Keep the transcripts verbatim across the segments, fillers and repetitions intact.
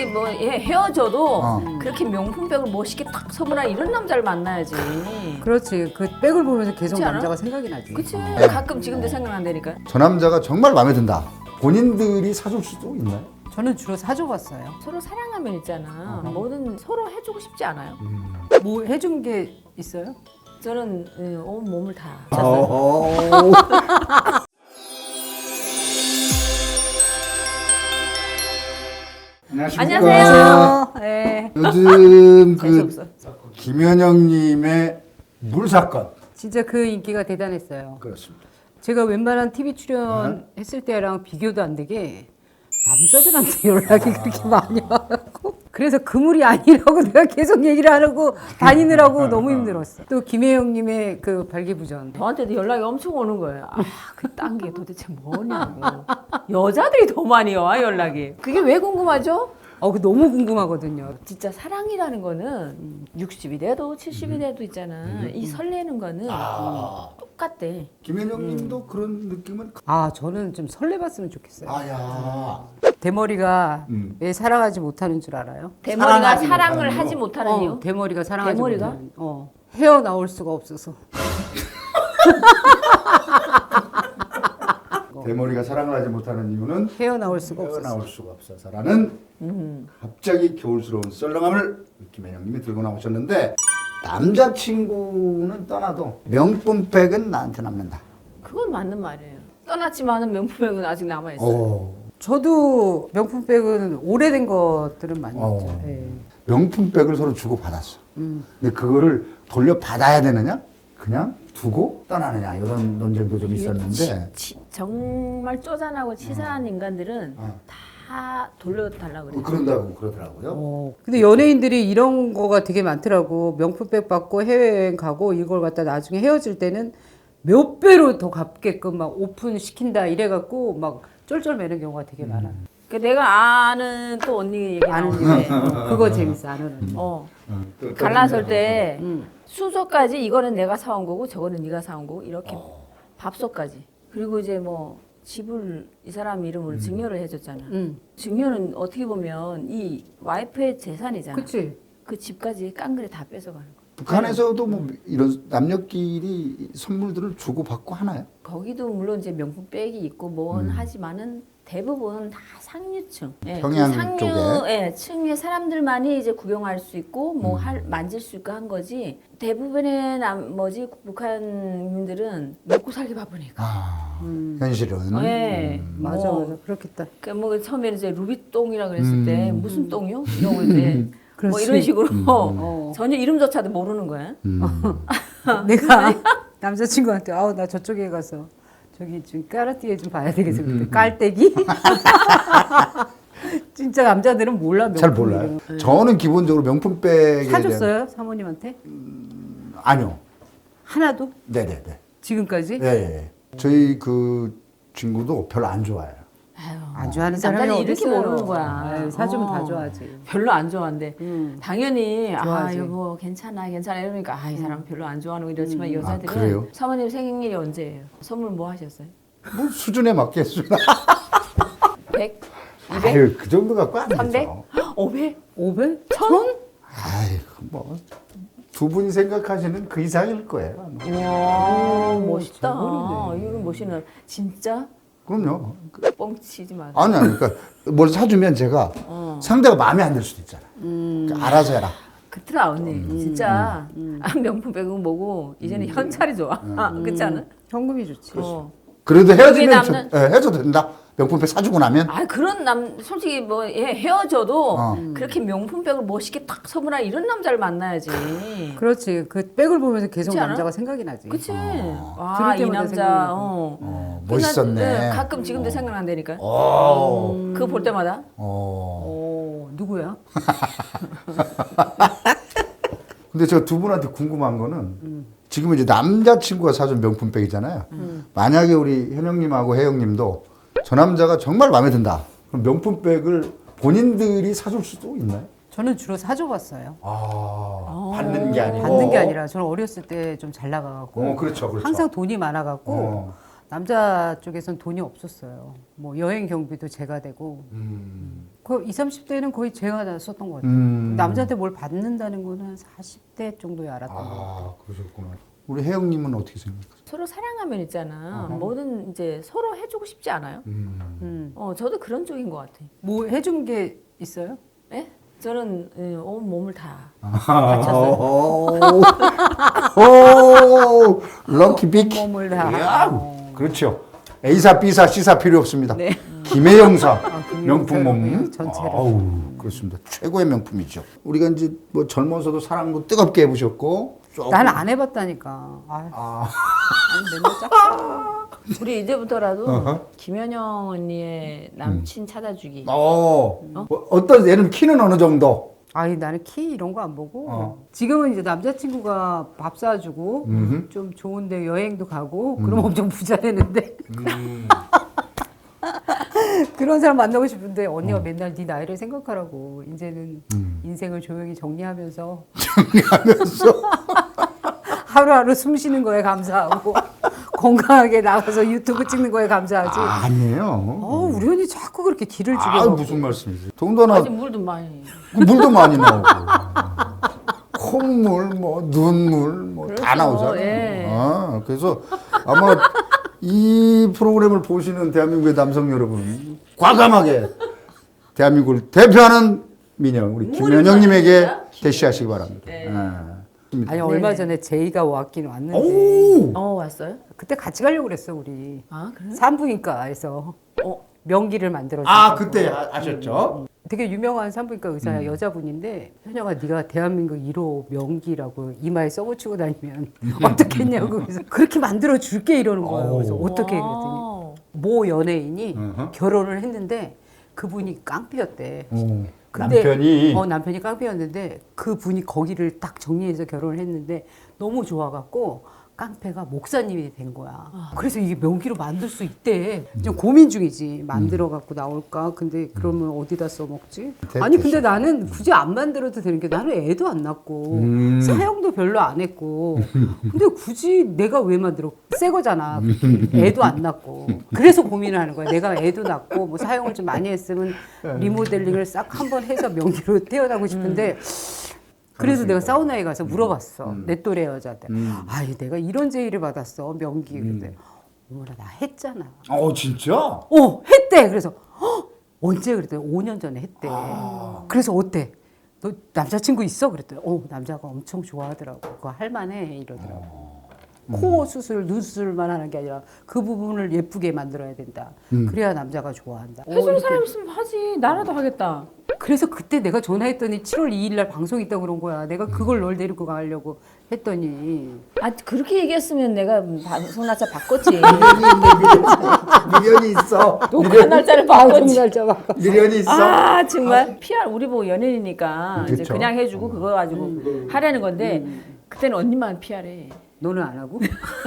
뭐 예, 헤어져도 어. 그렇게 명품백을 멋있게 딱 선물한 이런 남자를 만나야지. 그렇지. 그 백을 보면서 계속 그렇지 않아? 남자가 생각이 나지. 그치? 네. 가끔 지금도 생각난다니까. 저 남자가 정말 마음에 든다. 본인들이 사줄 수도 있나요? 저는 주로 사줘봤어요. 서로 사랑하면 있잖아. 뭐든 서로 해주고 싶지 않아요? 뭐 해준 게 있어요? 저는 예, 온 몸을 다. 어. 안녕하세요. 네. 요즘 재수 그 없어. 김현영님의 물 사건. 진짜 그 인기가 대단했어요. 그렇습니다. 제가 웬만한 티비 출연했을 때랑 비교도 안 되게 남자들한테 연락이 그렇게 많이 와갖고 그래서 그물이 아니라고 내가 계속 얘기를 하려고 다니느라고 너무 힘들었어. 또 김혜영님의 그 발기부전. 저한테도 연락이 엄청 오는 거예요. 아, 그딴 게 도대체 뭐냐고. 여자들이 더 많이 와, 연락이. 그게 왜 궁금하죠? 어, 그 너무 궁금하거든요. 진짜 사랑이라는 거는 육십이 돼도 칠십이 돼도 있잖아. 이 설레는 거는 아. 똑같대. 김현영님도 그런 느낌은. 아, 저는 좀 설레봤으면 좋겠어요. 아야. 대머리가 음. 왜 사랑하지 못하는 줄 알아요? 대머리가 사랑하지 사랑을 못하는 하지 거. 못하는 어, 이유? 대머리가 사랑하지 대머리가? 못하는. 어, 헤어나올 수가 없어서. 대머리가 사랑을 하지 못하는 이유는 헤어나올 수가 없어서. 헤어나올 수가 없어서라는 음. 갑자기 겨울스러운 썰렁함을 김현영님이 들고 나오셨는데, 남자친구는 떠나도 명품백은 나한테 남는다. 그건 맞는 말이에요. 떠났지만은 명품백은 아직 남아있어요. 오. 저도 명품백은 오래된 것들은 많이 어. 있죠. 예. 명품백을 서로 주고 받았어. 음. 근데 그거를 돌려 받아야 되느냐? 그냥 두고 떠나느냐? 이런 논쟁도 좀 있었는데. 치, 정말 쪼잔하고 치사한 인간들은 어. 다 돌려달라고 그래요. 어, 그런다고 그러더라고요. 어, 근데 연예인들이 이런 거가 되게 많더라고. 명품백 받고 해외여행 가고 이걸 갖다 나중에 헤어질 때는 몇 배로 더 갚게끔 막 오픈 시킨다 이래갖고 막 쫄쫄매는 경우가 되게 많아. 그 내가 아는 또 언니 얘기 아는 나오는데 일. 그거 재밌어, 아는 일. 어, 어, 또- 또 갈라설 좀- 때 음. 순서까지 이거는 내가 사온 거고 저거는 네가 사온 거고 이렇게 어. 밥솥까지 그리고 이제 뭐 집을 이 사람 이름으로 증여를 해줬잖아. 응. 증여는 어떻게 보면 이 와이프의 재산이잖아. 그치? 그 집까지 깡그리 다 뺏어가는 거. 북한에서도 뭐 이런 남녀끼리 선물들을 주고 받고 하나요? 거기도 물론 이제 명품백이 있고 뭔 음. 하지만은 대부분 다 상류층, 예, 평양 그 상류 쪽에. 예, 층의 사람들만이 이제 구경할 수 있고 뭐 음. 할 만질 수 있고 한 거지. 대부분의 남 뭐지 북한민들은 먹고 살기 바쁘니까. 아, 음. 현실은. 예, 음. 맞아, 뭐, 맞아. 그렇겠다. 그뭐 처음에는 이제 루비똥이라 그랬을 음. 때 무슨 똥이요? 이러고 이제 뭐 그렇지. 이런 식으로 어. 전혀 이름조차도 모르는 거야. 음. 내가 남자친구한테 아우 나 저쪽에 가서 저기 좀 까르띠에 좀 봐야 되겠어. 그때 깔때기? 진짜 남자들은 몰라. 잘 명품 몰라요. 이름. 네. 저는 기본적으로 명품백에 대한- 사줬어요 사모님한테? 아니요. 하나도? 네네네. 지금까지? 예, 예. 저희 그 친구도 별로 안 좋아해요. 아유, 안 좋아하는 사람이 남자는 어디 이렇게 있어요? 모르는 거야. 아유, 사주면 어. 다 좋아하지. 별로 안 좋아한대. 음. 당연히 아 좋아하지. 여보 괜찮아 괜찮아 이러니까 아 이 사람 별로 안 좋아하는 거 이렇지만 음. 여자들은 아, 그래요? 사모님 생일이 언제예요? 선물 뭐 하셨어요? 뭐 수준에 맞게 수준. 백? 아유, 그 정도 갖고 안 삼백? 되죠. 오백? 오백? 천? 아이고 뭐. 두 분이 생각하시는 그 이상일 거예요. 와 멋있다. 저거리네. 이거 멋있는 진짜 그럼요. 뻥치지 마. 아니, 아니, 그러니까 뭘 사주면 제가 어. 상대가 마음에 안 들 수도 있잖아. 음. 그러니까 알아서 해라. 그렇더라 언니. 진짜 아, 명품백은 뭐고 이제는 현찰이 좋아. 그렇지 않아? 현금이 좋지. 어. 그래도 헤어지면 여기 저, 남는- 예, 헤어져도 된다. 명품백 사주고 나면. 아 그런 남 솔직히 뭐 예, 헤어져도 어. 그렇게 명품백을 멋있게 딱 선물한 이런 남자를 만나야지. 그렇지. 그 백을 보면서 계속 그렇지 않아? 남자가 생각이 나지. 그치? 와, 들을 이 때마다 남자, 생각나고. 어. 어, 그 멋있었네. 남- 네, 가끔 지금도 생각난다니까. 오. 그거 볼 때마다. 어. 오, 누구야? 근데 저 두 분한테 궁금한 거는 지금 이제 남자친구가 사준 명품백이잖아요. 만약에 우리 현영님하고 혜영님도 저 남자가 정말 마음에 든다. 그럼 명품백을 본인들이 사줄 수도 있나요? 저는 주로 사줘봤어요. 아, 받는 게 아니고. 받는 게 아니라 저는 어렸을 때 좀 잘 나가갖고 어, 그렇죠, 그렇죠. 항상 돈이 많아갖고 어. 남자 쪽에선 돈이 없었어요. 뭐 여행 경비도 제가 되고 음. 그 이십, 삼십 대는 거의 제가 다 썼던 것 같아요. 음. 남자한테 뭘 받는다는 거는 사십 대 정도에 알았던 것 같아요. 아, 그러셨구나. 우리 혜영님은 어떻게 생각하세요? 서로 사랑하면 있잖아. 어허. 뭐든 이제 서로 해주고 싶지 않아요? 음. 음. 어, 저도 그런 쪽인 것 같아. 뭐 해준 게 있어요? 예? 저는 예, 온 몸을 다 아, 바쳤어요. 오, 오, 럭키 빅. 몸을 다. 이야, 어. 그렇죠. A사, B사, C사 필요 없습니다. 네. 김혜영사 아, 김혜영사 명품 몸. 전체를. 아우, 그렇습니다. 최고의 명품이죠. 우리가 이제 뭐 젊어서도 사랑도 뜨겁게 해보셨고. 조금- 난 안 해봤다니까. 아, 아, 아니, 맨날 짝사. 우리 이제부터라도 어허. 김현영 언니의 남친 찾아주기. 어, 뭐 어떤 얘는 키는 어느 정도? 아니 나는 키 이런 거 안 보고 어. 지금은 이제 남자친구가 밥 사주고 음흠. 좀 좋은데 여행도 가고 그럼 엄청 부자 되는데 음. 그런 사람 만나고 싶은데 언니가 맨날 네 나이를 생각하라고 이제는 음. 인생을 조용히 정리하면서 정리하면서. 하루하루 숨 쉬는 거에 감사하고 건강하게 나가서 유튜브 찍는 거에 감사하지. 아, 아니에요. 어, 우리 언니 자꾸 그렇게 길을 아, 죽여. 무슨 말씀이세요? 더군다나 아직 물도 많이. 물도 많이 나오고 콧물, 뭐 눈물, 뭐 다 그렇죠. 나오잖아요. 예. 아, 그래서 아마 이 프로그램을 보시는 대한민국의 남성 여러분 과감하게 대한민국을 대표하는 미녀 우리 김현영님에게 진짜? 대시하시기 바랍니다. 네. 예. 아니 얼마 전에 제이가 왔긴 왔는데 오, 어 왔어요? 그때 같이 가려고 그랬어 우리. 아 그래? 산부인과에서 어 명기를 만들어 아 준다고. 그때 하- 하셨죠? 되게 유명한 산부인과 의사 여자분인데 현영아 네가 대한민국 일 호 명기라고 이마에 써붙이고 다니면 어떻게 했냐고 그래서 그렇게 만들어 줄게 이러는 거예요. 그래서 오. 어떻게 그랬더니 와우. 모 연예인이 어허. 결혼을 했는데 그분이 깡패였대. 오, 근데- 남편이 어 남편이 깡패였는데 그 분이 거기를 딱 정리해서 결혼을 했는데 너무 좋아갖고 깡패가 목사님이 된 거야. 그래서 이게 명기로 만들 수 있대. 좀 고민 중이지. 만들어 갖고 나올까? 근데 그러면 어디다 써먹지? 대- 아니 근데 대신. 나는 굳이 안 만들어도 되는 게 나는 애도 안 낳고 음. 사형도 별로 안 했고 근데 굳이 내가 왜 만들어? 새 거잖아. 애도 안 낳고 그래서 고민을 하는 거야. 내가 애도 낳고 뭐 사형을 좀 많이 했으면 리모델링을 싹 한번 해서 명기로 태어나고 싶은데 그래서 내가 사우나에 가서 물어봤어. 내 또래 여자들. 음. 아이 내가 이런 제의를 받았어. 명기. 근데 어머나 나 했잖아. 어 진짜? 어 했대. 그래서 헉, 언제 그랬더니 오 년 전에 했대. 아. 그래서 어때? 너 남자친구 있어? 그랬더니 어 남자가 엄청 좋아하더라고. 그거 할만해 이러더라고. 코 수술, 눈 수술만 하는 게 아니라 그 부분을 예쁘게 만들어야 된다. 그래야 남자가 좋아한다. 어, 해주는 이렇게. 사람 있으면 하지. 나라도 하겠다. 그래서 그때 내가 전화했더니 칠월 이일 날 방송 있다고 그런 거야. 내가 그걸 널 데리고 가려고 했더니 아 그렇게 얘기했으면 내가 방송 날짜 바꿨지. 미련이 있어. 녹화 날짜를 바꿨지. 날짜 바꿔. 미련이 있어. 아 정말 피알 우리 보고 연예인이니까 이제 그쵸. 그냥 해주고 그거 가지고 하려는 건데 그때는 언니만 피알해. 너는 안 하고?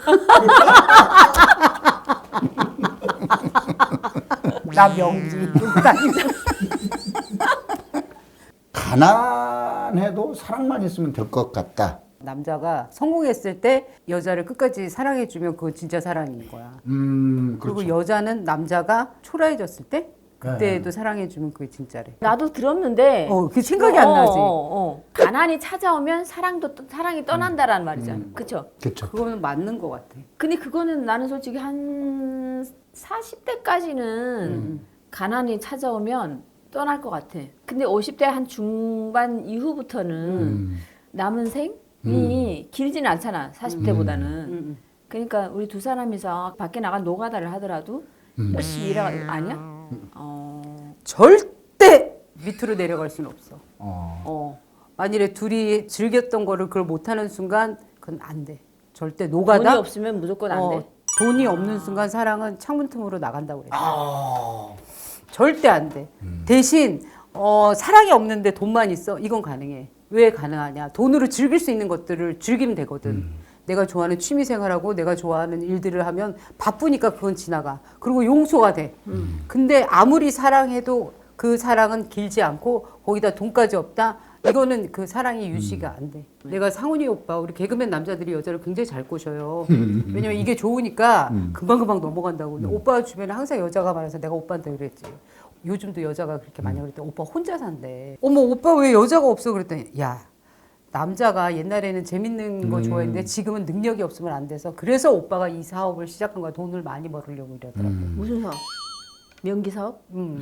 나 명지. 가난해도 사랑만 있으면 될 것 같다. 남자가 성공했을 때 여자를 끝까지 사랑해주면 그건 진짜 사랑인 거야. 음, 그리고 그렇죠. 여자는 남자가 초라해졌을 때 그때도 사랑해주면 그게 진짜래. 나도 들었는데 어, 그 생각이 안 나지. 어, 어. 가난이 찾아오면 사랑도 떠- 사랑이 떠난다라는 말이잖아. 그렇죠? 그렇죠. 그거는 맞는 것 같아. 근데 그거는 나는 솔직히 한 사십 대까지는 가난이 찾아오면 떠날 것 같아. 근데 오십 대 한 중반 이후부터는 음. 남은 생이 길지는 않잖아. 사십 대보다는. 음. 그러니까 우리 두 사람이서 밖에 나가 노가다를 하더라도 열심히 일하 아니야? 어. 절대 밑으로 내려갈 수는 없어. 어. 어. 만일에 둘이 즐겼던 거를 그걸 못하는 순간 그건 안 돼. 절대 노가다. 돈이 없으면 무조건 안 어, 돼. 돈이 없는 순간 사랑은 창문 틈으로 나간다고 그래. 아. 절대 안 돼. 대신 어, 사랑이 없는데 돈만 있어? 이건 가능해. 왜 가능하냐? 돈으로 즐길 수 있는 것들을 즐기면 되거든. 내가 좋아하는 취미 생활하고 내가 좋아하는 일들을 하면 바쁘니까 그건 지나가. 그리고 용서가 돼. 근데 아무리 사랑해도 그 사랑은 길지 않고 거기다 돈까지 없다? 이거는 그 사랑이 유지가 안 돼. 내가 상훈이 오빠 우리 개그맨 남자들이 여자를 굉장히 잘 꼬셔요. 왜냐면 이게 좋으니까 금방금방 넘어간다고. 근데 오빠 주변에 항상 여자가 많아서 내가 오빠한테 그랬지. 요즘도 여자가 그렇게 많이 그랬더니 오빠 혼자 산대. 어머 오빠 왜 여자가 없어 그랬더니 야 남자가 옛날에는 재밌는 거 좋아했는데 지금은 능력이 없으면 안 돼서 그래서 오빠가 이 사업을 시작한 거야. 돈을 많이 벌으려고 이러더라고. 무슨 사업? 명기 사업? 음.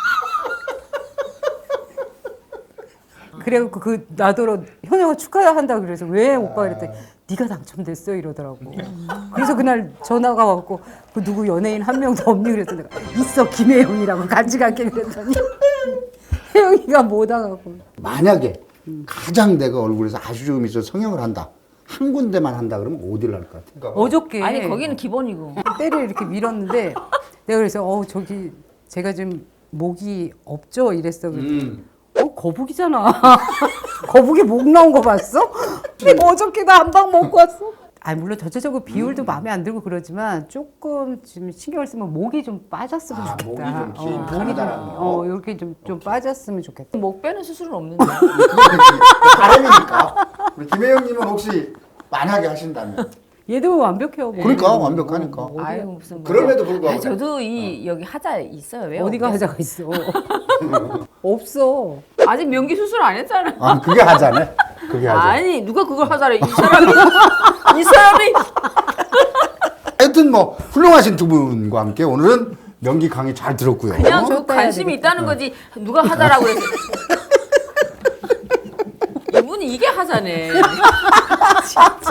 그래갖고 그 나더러 현영아 축하한다 그래서 왜 오빠 이랬더니 네가 당첨됐어 이러더라고. 그래서 그날 전화가 왔고 그 누구 연예인 한 명도 없니 그랬더니 내가 있어 김혜영이라고 같이 갈게 그랬더니 혜영이가 못 와갖고. 만약에 가장 내가 얼굴에서 아주 조금 있어 성형을 한다. 한 군데만 한다 그러면 어디를 할 것 같아? 어저께 아니 거기는 기본이고. 때를 이렇게 밀었는데 내가 그래서 어 저기 제가 지금 목이 없죠 이랬어. 그랬더니 음. 어 거북이잖아. 거북이 목 나온 거 봤어? 내가 어저께 나 한 방 먹고 왔어. 아 물론 전체적으로 비율도 마음에 안 들고 그러지만 조금 지금 신경을 쓰면 목이 좀 빠졌으면 아, 좋겠다. 목이 좀 긴, 어, 목이 좀, 가느다란 거. 어 이렇게 좀 좀 빠졌으면 좋겠다. 목 빼는 수술은 없는데. 바람이니까. 우리 김혜영님은 혹시 만약에 하신다면? 얘도 완벽해요. 뭐. 그러니까 완벽하니까. 어, 아유 무슨. 그럼에도 불구하고. 아, 저도 이 여기 하자 있어요. 왜 어디가 없겠어? 하자가 있어. 없어. 아직 명기 수술 안 했잖아. 아 그게 하자네. 그게 하자. 아니 누가 그걸 하자래? 이 사람이 이 사람이 하여튼 뭐 훌륭하신 두 분과 함께 오늘은 명기 강의 잘 들었고요. 그냥 저 좋다 해야 관심이 있다는 거지 누가 하자라고 그랬어. 이분이 이게 하자네. 진짜.